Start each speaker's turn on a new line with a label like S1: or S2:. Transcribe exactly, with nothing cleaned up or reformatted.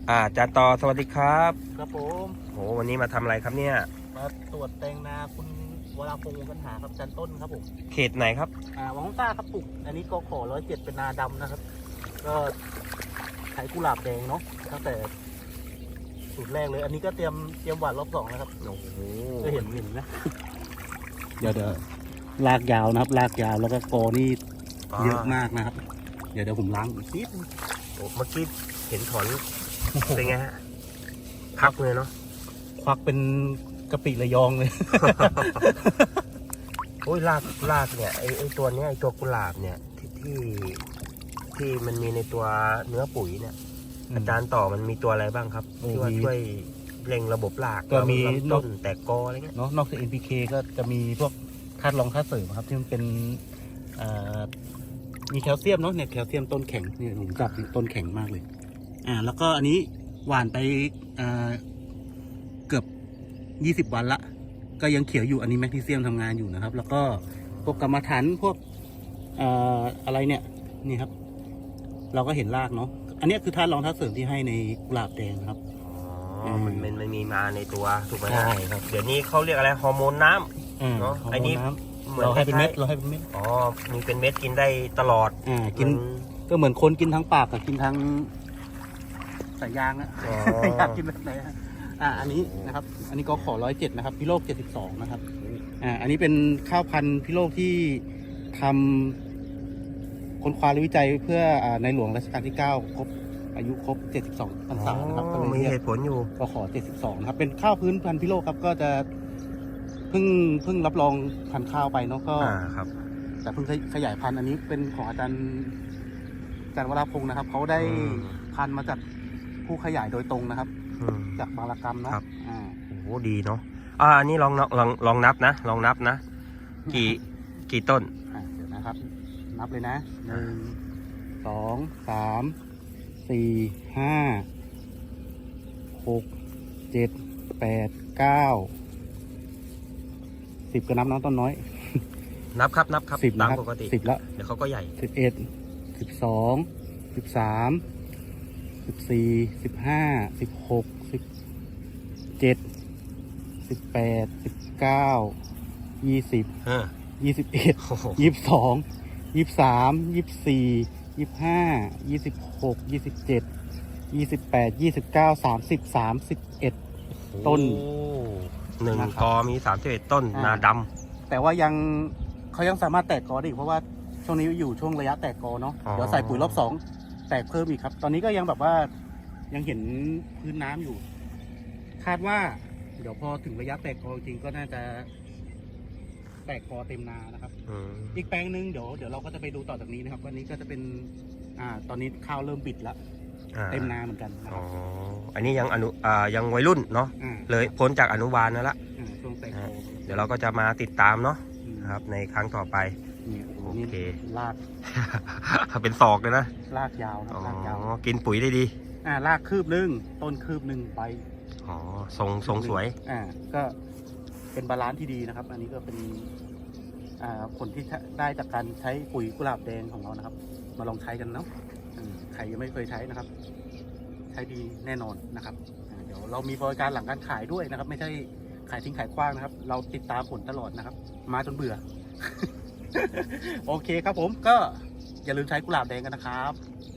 S1: อ่าจารย์ต่อสวัสดีครับ
S2: ครับผม
S1: โหวันนี้มาทำอะไรครับเนี่ย
S2: มาตรวจแตงนาคุณวราพงศ์วงศ์กันหาครับจันต้นครับผม
S1: เขตไหนครับ
S2: อ่าวังต้าครับปลูกอันนี้ก็ขอร้อยเจ็ดเป็นนาดำนะครับ ก็ใช้กุหลาบแดงเนาะตั้งแต่สูตรแรกเลย อันนี้ก็เตรียมเตรียมหวานรอบสองนะครับ
S1: โอ้โห
S2: จะเห็นเห็นนะเดี๋ยวเดี๋ยวลากยาวนะครับลากยาวแล้วก็กอนี่เยอะมากนะครับ เดี๋ยวเดี๋ยวผมล้างอีกนิด
S1: โอ้เมื่อกี้เห็นถอนเป็นไงฮะพักเลยเนาะ
S2: ควักเป็นกะปิระยองเลย
S1: โอ้ยรากรากเนี่ยไอไอตัวเนี้ยไอตัวกุหลาบเนี่ยที่ที่ที่มันมีในตัวเนื้อปุ๋ยเนี่ยอาจารย์ต่อมันมีตัวอะไรบ้างครับที่ว่าช่วยเร่งระบบราก
S2: ก็มี
S1: ต้นแตกกออะไรเงี้ย
S2: เนาะนอกจาก เอ็น พี เค ก็จะมีพวกธาตุรองธาตุเสริมครับที่มันเป็นมีแคลเซียมเนาะเนี่ยแคลเซียมต้นแข็งเนี่ยผมจับต้นแข็งมากเลยอ่าแล้วก็อันนี้หว่านไปเกือบยี่สิบวันละก็ยังเขียวอยู่อันนี้แมกนีเซียมทำงานอยู่นะครับแล้วก็พวกกรรมฐานพวกอะไรเนี่ยนี่ครับเราก็เห็นรากเนาะอันนี้คือธาตุรองธาตุเสริมที่ให้ในกุหลาบแดงครับ
S1: อ๋อมันมันมันมีมาในตัวถูกไหม
S2: ใช่ครับ
S1: เดี๋ยวนี้เขาเรียกอะไรฮอร์โมนน้ำเนาะไอ้นี้
S2: เราให้เป็นเม็ดเราให้เป็นเม็ด
S1: อ๋อมีเป็นเม็ดกินได้ตลอด
S2: อ่ากินก็เหมือนคนกินทั้งปากกับกินทั้งสายยางนะอยากกินแบบไหนอ่าอันนี้นะครับอันนี้ก็ขอร้อยเจ็ดนะครับพิโลกเจ็ดสิบสองนะครับอ่าอันนี้เป็นข้าวพันธุ์พิโลกที่ทำค้นคว้าและวิจัยเพื่อในหลวงรัชกาลที่เก้าครบอายุครบเจ็ดสิบสองพรรษานะครับก็
S1: มีเหตุผลอยู่
S2: ก็ขอเจ็ดสิบสองนะครับเป็นข้าวพื้นพันธุ์พิโลกครับก็จะเพิ่งเพิ่งรับรองพันธุ์ข้าวไปเนาะก็
S1: ครับ
S2: แต่เพิ่งขยายพันธุ์อันนี้เป็นของอาจารย์อาจารย์วราพงศ์นะครับเขาได้พันธุ์มาจากผู้ขยายโดยตรงนะครับจากบางระกำนะครับอ่า
S1: โอ้โหดีเนาะอ่าอันนี้ลองลองลองนับนะลองนับนะกี่กี่ต้น
S2: อ่าเดี๋ยวนะครับนับเลยนะหนึ่งสองสามสี่ห้าหกเจ็ดแปดเก้าสิบก็นับน้องต้นน้อย
S1: นับครับนับครับ
S2: สิบ
S1: ตามปกติ
S2: สิบแล้ว
S1: เดี๋ยวเขาก็ใหญ่
S2: สิบเอ็ดสิบสองสิบสามสิบสี่สิบห้าสิบหกสิบเจ็ดสิบแปดสิบเก้ายี่สิบยี่สิบเอ็ดยี่สิบสองยี่สิบสามยี่สิบสี่ยี่สิบห้ายี่สิบหกยี่สิบเจ็ดยี่สิบแปดยี่สิบเก้าสามสิบสามสิบเอ็ดต้น
S1: หนึ่งกอมีสามสิบเอ็ดต้นนาดำ
S2: แต่ว่ายังเขายังสามารถแตกกอได้อีกเพราะว่าช่วงนี้อยู่ช่วงระยะแตกกอเนาะเดี๋ยวใส่ปุ๋ยรอบสองแตกเพิ่มอีกครับตอนนี้ก็ยังแบบว่ายังเห็นพื้นน้ำอยู่คาดว่าเดี๋ยวพอถึงระยะแตกกอจริงก็น่าจะแตกกอเต็มนานะครับอีกแปลงหนึ่งเดี๋ยวเดี๋ยวเราก็จะไปดูต่อจากนี้นะครับวันนี้ก็จะเป็นอ่าตอนนี้ข้าวเริ่มบิดแล้วเต็มนาเหมือนกันอ๋อ
S1: อันนี้ยังอนุอ่ายังวัยรุ่นเนาะเลยพ้นจากอนุบาลนั่นละ
S2: ช่วงแตกกอ
S1: เดี๋ยวเราก็จะมาติดตามเนาะครับในครั้งต่อไป
S2: โอเคลาก
S1: เป็นศอกเลยนะ
S2: ลากยาวนะลากยาว
S1: กินปุ๋ยได้ดี
S2: อ่าลากคืบหนึ่งต้นคืบหนึ่งไป
S1: อ๋อทรงทรงสวย
S2: อ่าก็เป็นบาลานซ์ที่ดีนะครับอันนี้ก็เป็นอ่าผลที่ได้จากการใช้ปุ๋ยกุหลาบแดงของเรานะครับมาลองใช้กันเนาะใครยังไม่เคยใช้นะครับใช้ดีแน่นอนนะครับเดี๋ยวเรามีบริการหลังการขายด้วยนะครับไม่ใช่ขายทิ้งขายขว้างนะครับเราติดตามผลตลอดนะครับมาจนเบื่อ โอเคครับผมก็อย่าลืมใช้กุหลาบแดงกันนะครับ